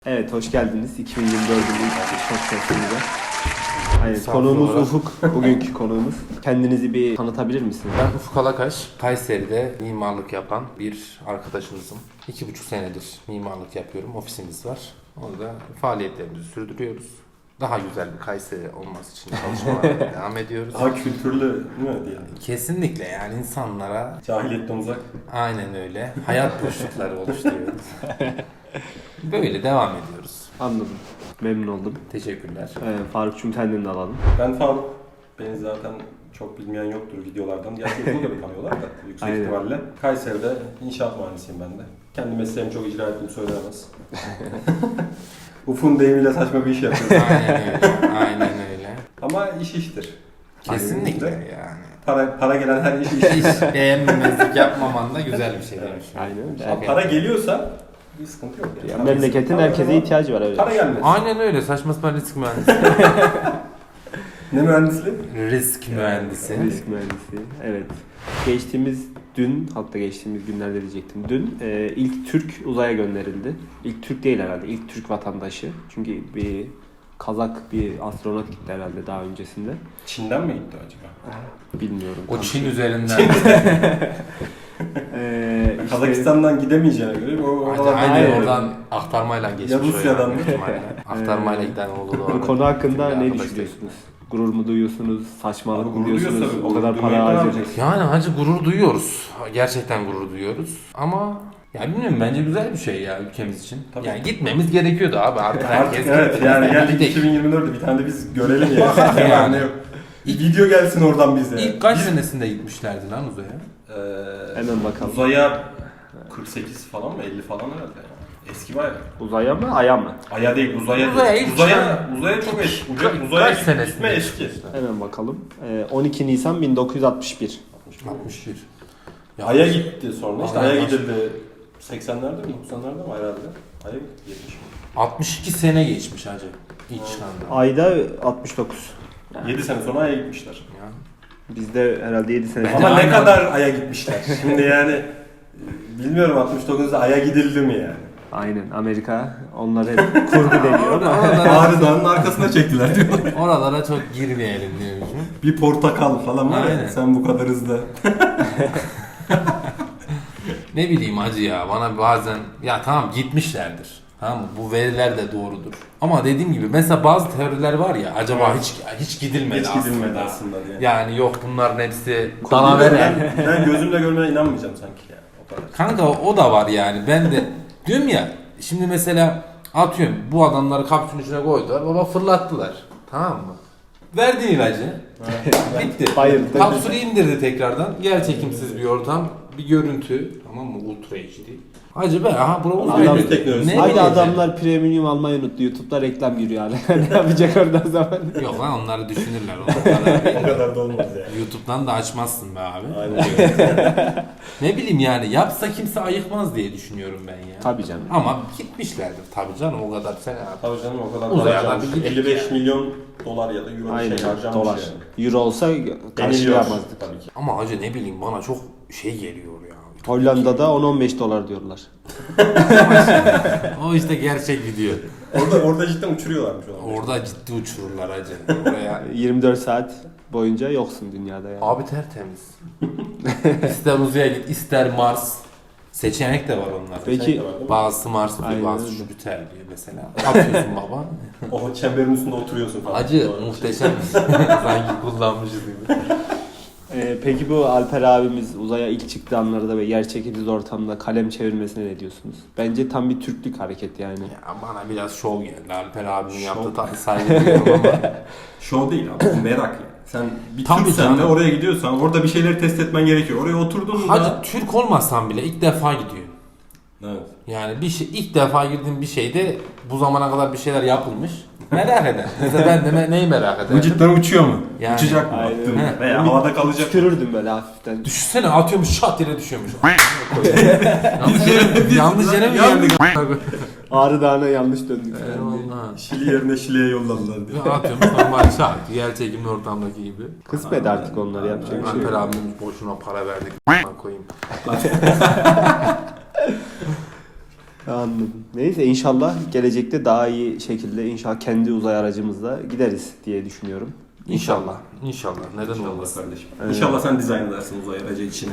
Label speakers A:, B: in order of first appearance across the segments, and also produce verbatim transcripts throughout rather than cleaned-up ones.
A: Evet, hoş geldiniz iki bin yirmi dördün ilk podcast'imize. Aynen, konuğumuz Ufuk, bugünkü konuğumuz. Kendinizi bir tanıtabilir misiniz?
B: Ben Ufuk Alakaş, Kayseri'de mimarlık yapan bir arkadaşınızım. İki buçuk senedir mimarlık yapıyorum, ofisimiz var. Orada faaliyetlerimizi sürdürüyoruz. Daha güzel bir Kayseri olması için çalışmalara devam ediyoruz.
C: Daha kültürlü değil mi diyelim?
B: Kesinlikle, yani insanlara
C: Cahiliyetten uzak.
B: aynen öyle hayat boşlukları oluşturuyoruz. Böyle devam ediyoruz.
A: Anladım, memnun oldum.
B: Teşekkürler.
A: Ee, Faruk'cum senden de alalım.
C: Ben Faruk. Beni zaten çok bilmeyen yoktur videolardan. Gerçi bunu da bir tanıyorlar da yüksek
A: Aynen.
C: ihtimalle. Kayseri'de inşaat mühendisiyim ben de. Kendi mesleğimi çok icra ettiğimi söylenemez. Ufun deyimiyle saçma bir iş yapıyorum.
B: Aynen öyle, aynen öyle.
C: Ama iş iştir.
B: Kesinlikle
C: Aynen.
B: yani.
C: Para, para gelen her iş iş.
B: Hiç beğenmemezlik yapmaman da güzel bir şey demiş.
A: Aynen.
C: Ama para geliyorsa bir sıkıntı yok. Yani.
A: Ya,
C: Para-
A: memleketin
C: para-
A: herkese ihtiyacı var, evet.
C: Para gelmez.
B: Aynen öyle. Saçma sapan risk mühendisi.
C: Ne mühendisliği?
B: risk mühendisi.
A: Risk mühendisi, evet. Geçtiğimiz dün, hatta geçtiğimiz günlerde diyecektim. Dün e, ilk Türk uzaya gönderildi. İlk Türk değil herhalde, ilk Türk vatandaşı. Çünkü bir Kazak bir astronot gitti herhalde daha öncesinde.
C: Çin'den mi gitti acaba?
A: Bilmiyorum.
B: O
A: tam.
B: Çin üzerinden.
A: Ee, işte-
C: Kazakistan'dan gidemeyeceğine göre o
B: Hadi,
C: oralardan
B: aynen
A: Aynen.
B: oradan aktarmayla geçmiş.
C: Ya
B: o
C: Rusya'dan
B: yani,
C: mı?
B: büyük ihtimalle. Aktarmayla giden oldu da.
A: Bu konu hakkında
B: Bizim bir
A: ne
B: arkadaş
A: düşünüyorsunuz? Gurur mu duyuyorsunuz? Saçmalık
C: Abi
A: mı
C: gurur
A: diyorsunuz?
C: duyuyorsa
A: O kadar
C: gurur
A: para
C: duymayı ne
A: harcadık.
C: yapacak?
B: Yani hacı gurur duyuyoruz. Gerçekten gurur duyuyoruz. Ama ya bilmiyorum, bence güzel bir şey ya ülkemiz için.
C: Tabii.
B: Yani gitmemiz gerekiyordu abi. Artık
C: Artık
B: herkes
C: evet
B: gitti.
C: yani
B: Biz de
C: geldik
B: gittik.
C: iki bin yirmi dörtte bir tane de biz görelim ya.
B: Yani.
C: yani. Yok. Bir video gelsin oradan bize.
B: İlk kaç senesinde gitmişlerdi lan uzaya?
C: Ee,
A: Hemen bakalım.
C: Uzaya kırk sekiz falan mı elli falan herhalde ya. Eski bayağı.
A: Uzaya mı, aya mı?
C: Aya değil uzaya.
B: Uzaya
C: değil.
B: ilk
C: uzaya,
B: şey-
C: uzaya çok eski.
B: Kaç-
C: Uzaya, uzaya
B: kaç
C: gitme
B: senesinde
C: eski.
A: Hemen bakalım. Ee, on iki Nisan bin dokuz yüz altmış bir.
B: altmış bir. Ya,
C: Aya gitti sonra işte
B: Aya
C: Ay'a
B: baş-
C: gidildi. seksenlerde mi doksanlarda mı herhalde? Ay'a gitti yetmiş mi?
B: altmış iki sene geçmiş hacı. İlk çıkanda.
A: Ayda altmış dokuz.
C: yedi sene sonra Ay'a gitmişler.
B: Ya.
A: Bizde herhalde yedi sene.
B: Ben
C: Ama
B: de
C: ne
B: aynen-
C: kadar Ay'a gitmişler. Şimdi yani bilmiyorum altmış dokuzda Ay'a gidildi mi yani?
A: Aynen, Amerika onlar hep kurgu deniyor ama.
C: Ağrı Dağı'nın arkasına çektiler diyorlar.
B: Oralara çok girmeyelim diyormuşum.
C: Bir portakal falan var ya
B: Aynen.
C: sen bu kadar hızlı.
B: Ne bileyim hacı ya, bana bazen ya tamam gitmişlerdir. Tamam mı? Bu veriler de doğrudur. Ama dediğim gibi mesela bazı teoriler var ya, acaba hiç hiç gidilmedi
C: Hiç
B: aslında.
C: gidilmedi aslında diye.
B: Yani yok, bunların hepsi
C: Ben,
B: dalavere.
C: ben gözümle görmeye inanmayacağım sanki yani. O kadar.
B: Kanka o da var yani. Ben de diyorum ya, şimdi mesela atıyorum bu adamları kapsülün içine koydular, baba fırlattılar. Tamam mı? Verdi ilacı. Bitti.
A: Bayıldı.
B: Kapsülü indirdi tekrardan. Yer çekimsiz bir ortam, bir görüntü. Tamam mı? Ultra H D. Hacı be, aha bura
C: Adam
B: uzaylı.
C: teknolojisi.
B: Ne
A: Haydi
B: diyeceksin?
A: adamlar premium almayı unuttu. YouTube'da reklam giriyor hala. Ne yapacak oradan zaman?
B: Yok lan, onları düşünürler. Onları
C: O kadar da olmaz yani.
B: YouTube'dan da açmazsın be abi.
C: Aynen.
B: Ne bileyim yani, yapsa kimse ayıkmaz diye düşünüyorum ben ya.
A: Tabii canım.
B: Ama gitmişlerdir tabii canım, o kadar sene.
C: Tabii canım o kadar
B: Uzaya
C: para
B: da bir
C: harcamış.
B: gidelim
C: elli beş
B: yani.
C: milyon dolar ya da euro bir
A: Aynen,
C: şey harcamış
A: dolar.
C: yani.
A: Euro olsa
C: Deniliyor
A: karşılayamazdık.
C: tabii ki.
B: Ama hacı ne bileyim, bana çok şey geliyor ya.
A: Hollanda'da on on beş dolar diyorlar.
B: O işte gerçek video.
C: Orada orada cidden uçuruyorlarmış onu.
B: Orada ciddi uçururlar hacı. Oraya.
A: yirmi dört saat boyunca yoksun dünyada yani.
B: Abi tertemiz. İster uzaya git, ister Mars. Seçenek de var onlar.
A: Peki
B: Bazısı Mars diyor,
A: Aynen
B: bazısı
A: öyle.
B: Jüpiter diyor mesela. Atıyorsun baba.
C: O çemberin üstünde oturuyorsun falan.
B: Hacı
C: Doğru.
B: muhteşem. Sanki kullanmışız gibi.
A: Ee, peki bu Alper abimiz uzaya ilk çıktığı anlarda ve yer çekimsiz ortamda kalem çevirmesine ne diyorsunuz? Bence tam bir Türklük hareket yani.
B: Ya bana biraz şov geldi. Alper abinin
C: Şov.
B: yaptığı tabii saygı duyuyorum ama.
C: Show değil abi, bu merak yani. Sen bir
B: Tabii
C: Türksen
B: canım.
C: de oraya gidiyorsan orada bir şeyleri test etmen gerekiyor. Oraya oturdun da...
B: Hacı Türk olmasan bile ilk defa gidiyorsun.
C: Evet.
B: Yani bir şey, ilk defa girdiğin bir şeyde bu zamana kadar bir şeyler yapılmış. Merak eder. Mesela ben de me- neyi merak ederim?
C: Bu cidden uçuyor mu?
B: Yani.
C: Uçacak mı?
A: Aynen.
C: Attın mı?
B: He.
C: Veya havada kalacak mı?
A: Tükürürdüm böyle hafiften.
B: Düşünsene, atıyormuş, şat yere düşüyormuş. yanlış yere, yanlış yere mi geldik?
A: Ağrı Dağı'na yanlış döndük. falan diye.
B: Eyvallah.
C: Şili yerine Şili'ye yolladılar diye.
B: Ya atıyormuş normal şat. Yer çekimli ortamdaki gibi.
A: Kısmet artık onları yapacak bir şey
B: Alper
A: yok.
B: abimiz boşuna para verdik. a**ına koyayım.
A: Anladım. Neyse inşallah gelecekte daha iyi şekilde inşallah kendi uzay aracımızla gideriz diye düşünüyorum.
B: İnşallah. İnşallah. Neden
C: İnşallah
B: olmasın?
C: kardeşim.
A: Evet.
C: İnşallah sen dizayn edersin uzay aracı için.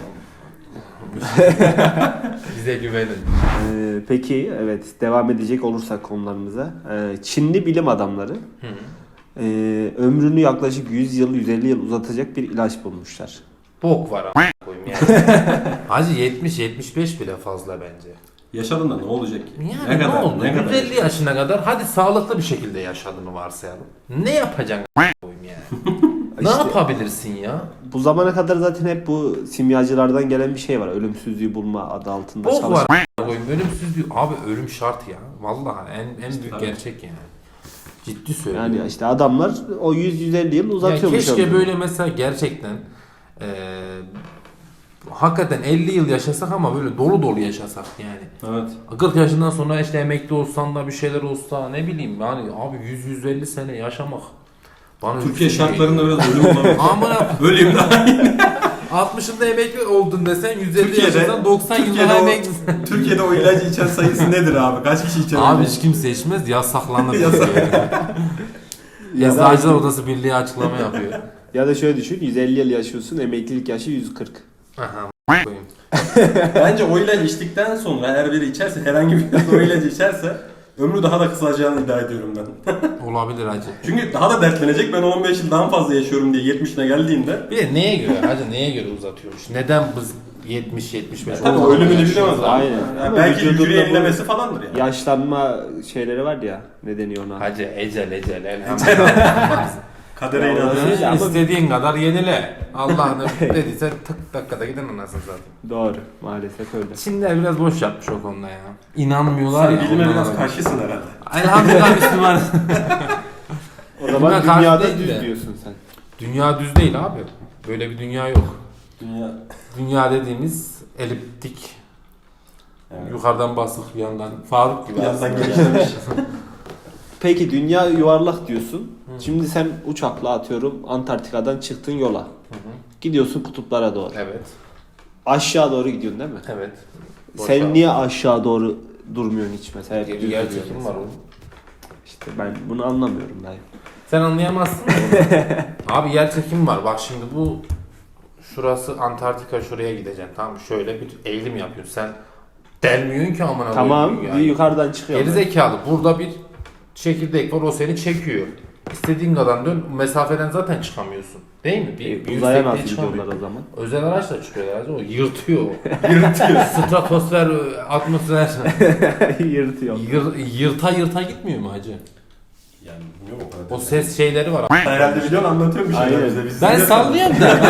B: Bize güvenin.
A: Ee, peki evet devam edecek olursak konularımıza. Ee, Çinli bilim adamları
B: Hı.
A: e, ömrünü yaklaşık yüz yıl yüz elli yıl uzatacak bir ilaç bulmuşlar.
B: Bok var a**a koyayım yani. Hacı yetmiş yetmiş beş bile fazla bence.
C: Yaşadın da ne olacak ki?
B: Yani ne,
C: kadar,
B: oldu?
C: Ne kadar?
B: yüz elli yaşına kadar hadi sağlıklı bir şekilde yaşadığını varsayalım. Ne yapacaksın a**a koyayım yani? Ne
A: İşte-
B: yapabilirsin ya?
A: Bu zamana kadar zaten hep bu simyacılardan gelen bir şey var. Ölümsüzlüğü bulma adı altında
B: Bok
A: çalış.
B: var a**a koyayım. Ölümsüz bir... Abi ölüm şart ya. Vallahi en, en
C: İşte
B: büyük
C: tabii.
B: gerçek yani. Ciddi söylüyorum.
A: Yani işte adamlar o yüz yüz elli yıl
B: Ya
A: uzatıyormuş.
B: keşke
A: ömrünü.
B: böyle mesela gerçekten eee hakikaten elli yıl yaşasak ama böyle dolu dolu yaşasak yani.
C: Evet.
B: kırk yaşından sonra işte emekli olsan da bir şeyler olsa ne bileyim yani abi yüz yüz elli sene yaşamak. Bana
C: Türkiye
B: yüksek
C: şartlarında
B: geliyor.
C: biraz ölüm olabilir.
B: Amına
C: Öleyim daha iyi.
B: altmışında emekli oldun desen yüz elli
C: Türkiye'de-
B: yaşasan doksan yıl
C: Türkiye'de
B: daha
C: o-
B: emeklisin.
C: Türkiye'de o ilacı içen sayısı nedir abi? Kaç kişi içer?
B: Abi
C: onu?
B: hiç kimse içmez yasaklanır.
C: Yasak.
A: Ya da,
B: Eczacılar Odası Birliği açıklama yapıyor.
A: ya da şöyle düşün yüz elli yıl yaşıyorsun emeklilik yaşı yüz kırk.
B: Aha koyayım.
C: Bence o ilacı içtikten sonra eğer biri içerse, herhangi bir o ilacı içerse ömrü daha da kısalacağını iddia ediyorum ben.
B: Olabilir hacı.
C: Çünkü daha da dertlenecek. Ben on beş yıl daha fazla yaşıyorum diye yetmişine geldiğinde.
B: Bir de neye göre hacı neye göre uzatıyormuş? Neden biz yetmiş yetmiş beş
C: Tabii o ölümünü bilemez.
A: Aynen.
C: Yani
A: Ama
C: belki
A: vücudunda
C: hücre
A: bu
C: yenilemesi falandır yani.
A: Yaşlanma şeyleri var ya ne deniyor ona?
B: Hacı ecel ecel elhamdülillah.
C: Kadere
A: Ya,
C: inanır.
A: öyle ama-
B: İstediğin kadar yenile. Allah'ını dediyse tık dakikada giden anasını zaten.
A: Doğru maalesef öyle.
B: Çinliler biraz boş yapmış o konuda ya. İnanmıyorlar
C: Sen
B: ya.
C: bilime
B: ondan
C: biraz
B: dolayı.
C: karşısın herhalde.
B: Elhamdülillah Müslüman.
A: O zaman
B: Buna karşı
A: dünyada
B: değil
A: düz
B: de.
A: diyorsun sen.
B: Dünya düz değil abi. Böyle bir dünya yok.
C: Dünya.
B: Dünya dediğimiz eliptik.
C: Evet.
B: Yukarıdan basık bir yandan. Faruk gibi
C: Bir yandan
B: aslında.
C: genişlemiş.
A: Peki dünya yuvarlak diyorsun. Şimdi sen uçakla atıyorum Antarktika'dan çıktın yola.
B: Hı hı.
A: Gidiyorsun kutuplara doğru.
B: Evet.
A: Aşağı doğru gidiyorsun değil mi?
B: Evet.
A: Sen
B: Boşa.
A: niye aşağı doğru durmuyorsun hiç mesela? Hep düz
B: Yer
A: duruyorsun
B: çekimi
A: mesela.
B: var oğlum.
A: İşte ben bunu anlamıyorum dayı.
B: Sen anlayamazsın da onu. Abi yer çekimi var. Bak şimdi bu şurası Antarktika, şuraya gideceksin. Tamam mı? Şöyle bir eğilim yapıyorsun. Sen delmiyorsun ki amına
A: Tamam
B: koyayım
A: bir yukarıdan çıkıyor.
B: Geri zekalı. Burada bir çekirdek var. O seni çekiyor. İstediğin kadar dön. Mesafeden zaten çıkamıyorsun. Değil mi? Bir, bir
A: Uzaya
B: yüksekliğe
A: nasıl
B: çıkamıyor.
A: gidiyorlar o zaman?
B: Özel araçla çıkıyorlar. O yırtıyor. Yırtıyor. Stratosfer, atmosfer.
A: Yırtıyor.
B: Yır, yırta yırta gitmiyor mu hacı?
C: Yani bilmiyorum o kadar.
B: O ses şeyleri var.
C: Herhalde biliyorsun anlatıyorum bir şeyler
A: Aynen.
C: bize. Biz
B: Ben
C: size-
B: sallıyorum da.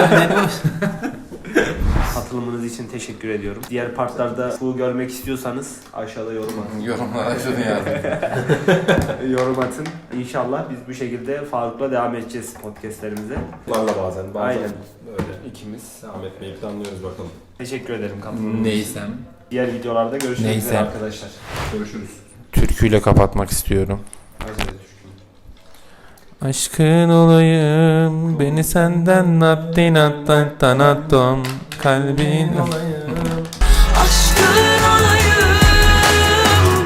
A: Katılımınız için teşekkür ediyorum. Diğer partlarda bu görmek istiyorsanız aşağıda yorum atın.
B: Yorumlara şunu yazın.
A: yorum atın. İnşallah biz bu şekilde Faruk'la devam edeceğiz podcastlerimize.
C: Bunlarla bazen bazen
A: Aynen.
C: öyle
A: İkimiz.
C: devam etmeyi planlıyoruz bakalım.
A: Teşekkür ederim katılımınız için.
B: Neysem.
A: Diğer videolarda görüşmek
B: Neyse.
A: üzere arkadaşlar.
C: Görüşürüz.
B: Türküyle kapatmak istiyorum.
C: Acele düşkün.
B: Aşkın olayım, beni senden nattin attan tanatom, kalbin olayım.
D: Aşkın